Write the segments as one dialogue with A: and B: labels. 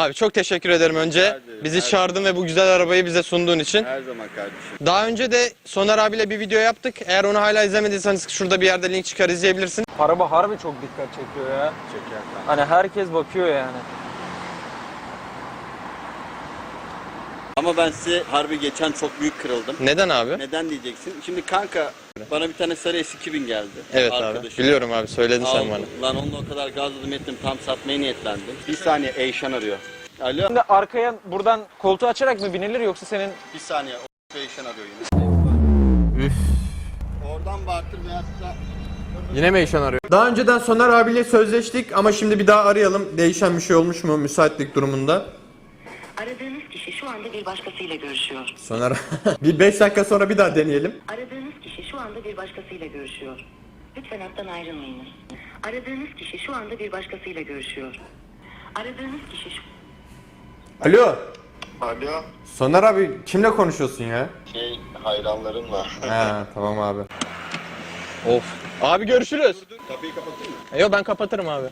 A: Abi çok teşekkür ederim önce. Bizi çağırdın ve bu güzel arabayı bize sunduğun için.
B: Her zaman kardeşim.
A: Daha önce de Soner abiyle bir video yaptık. Eğer onu hala izlemediyseniz şurada bir yerde link çıkar, izleyebilirsin.
C: Araba harbi çok dikkat çekiyor ya.
B: Çeker kanka.
C: Hani herkes bakıyor yani.
B: Ama ben size harbi geçen çok büyük kırıldım.
A: Neden abi?
B: Neden diyeceksin? Şimdi kanka bana bir tane sarı S2000 geldi.
A: Evet
B: arkadaşım.
A: abi. Biliyorum abi, söyledin sen
B: Aldım.
A: bana.
B: Lan onunla o kadar gazladım ettim, tam satmaya niyetlendim. Bir saniye, Eyşan arıyor. Alo.
C: Şimdi arkaya buradan koltuğu açarak mı binilir yoksa senin...
B: Bir saniye, o Eyşan arıyor yine.
A: Üf.
B: Oradan baktım veyahut da...
A: Yine mi Eyşan arıyor? Daha önceden Soner abiyle sözleştik ama şimdi bir daha arayalım. Değişen bir şey olmuş mu müsaitlik durumunda?
D: Aradığınız kişi şu anda bir başkasıyla görüşüyor.
A: Soner bir 5 dakika sonra bir daha deneyelim.
D: Aradığınız kişi şu anda bir başkasıyla görüşüyor. Lütfen hattan ayrılmayınız. Aradığınız kişi şu anda bir başkasıyla görüşüyor. Aradığınız kişi şu...
A: Alo.
E: Alo,
A: Soner abi kimle konuşuyorsun ya?
E: hayranlarımla.
A: He tamam abi. Of. Abi görüşürüz.
B: Kapıyı kapatayım mı?
A: Yok ben kapatırım abi.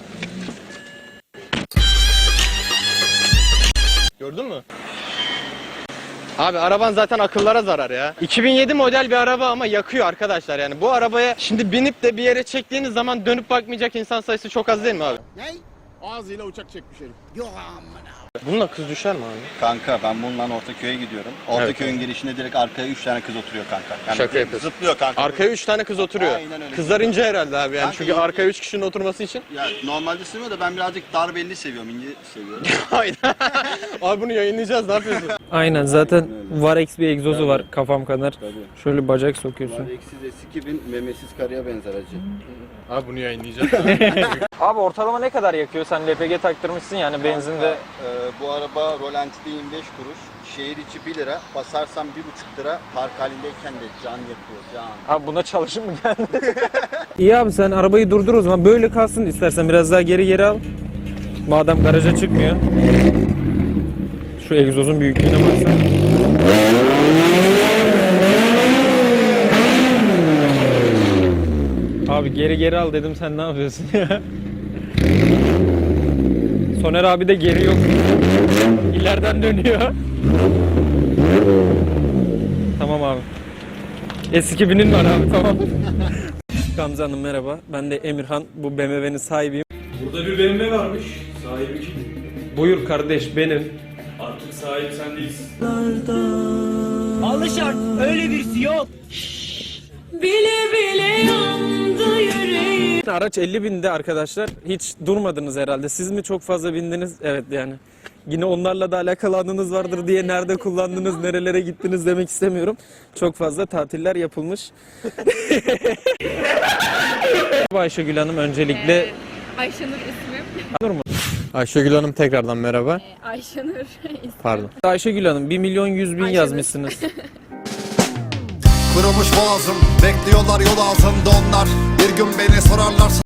A: Gördün mü? Abi araban zaten akıllara zarar ya. 2007 model bir araba ama yakıyor arkadaşlar yani. Bu arabaya şimdi binip de bir yere çektiğiniz zaman dönüp bakmayacak insan sayısı çok az değil mi abi?
E: Ne? Ağzıyla uçak çekmiş herif. Yok amına.
A: Bununla kız düşer mi abi?
B: Kanka ben bununla Ortaköy'e gidiyorum. Ortaköy'ün girişinde direkt arkaya 3 tane kız oturuyor kanka. Yani
A: Şaka yapıyorsun.
B: Zıplıyor kanka.
A: Arkaya 3 tane kız oturuyor.
B: Aynen öyle.
A: Kızlar ince herhalde abi yani.
B: Kanka
A: Çünkü
B: ince.
A: arkaya 3 kişinin oturması için.
B: Ya normalde sevmiyor da ben birazcık dar belli seviyorum, ince seviyorum.
A: Hayır. Abi bunu yayınlayacağız, ne yapıyorsun?
C: Aynen, zaten Varex bir egzozu var kafam kadar.
B: Tabii.
C: Şöyle bacak sokuyorsun.
B: Var eksiz S2000 memesiz karıya benzer acı.
A: Abi bunu yayınlayacağız.
C: Abi ortalama ne kadar yakıyor? Sen LPG taktırmışsın yani benzinde.
B: Bu araba rolantide 25 kuruş. Şehir içi 1 lira. Basarsam 1,5 lira. Park halindeyken de can yakıyor, can.
C: Abi buna çalışın mı geldi? İyi abi, sen arabayı durdur o zaman. Böyle kalsın, istersen biraz daha geri al. Madem garaja çıkmıyor. Şu egzozun büyüklüğüne baksana. Abi geri al dedim, sen ne yapıyorsun ya? Soner abi de geri yok. İleriden dönüyor. Tamam abi. S2000'in var abi, tamam. Gamze Hanım merhaba. Ben de Emirhan. Bu BMW'nin sahibiyim.
F: Burada bir BMW varmış. Sahibi kim?
C: Buyur kardeş, benim.
F: Artık sahip sen değilsin.
G: Bile bile yandı yüreğim.
C: Araç 50.000'de arkadaşlar. Hiç durmadınız herhalde. Siz mi çok fazla bindiniz? Evet yani. Yine onlarla da alakalı anınız vardır diye nerede kullandınız, nerelere gittiniz demek istemiyorum. Çok fazla tatiller yapılmış. Ayşegül Hanım öncelikle...
G: Ayşenur ismim.
C: Olur mu?
A: Ayşegül Hanım tekrardan merhaba.
G: Ayşenur ismim.
A: Pardon.
C: Ayşegül Hanım 1.100.000
G: Ayşenur.
C: yazmışsınız.
H: Kırılmış boğazım, bekliyorlar yol altında onlar. Bir gün beni sorarlarsa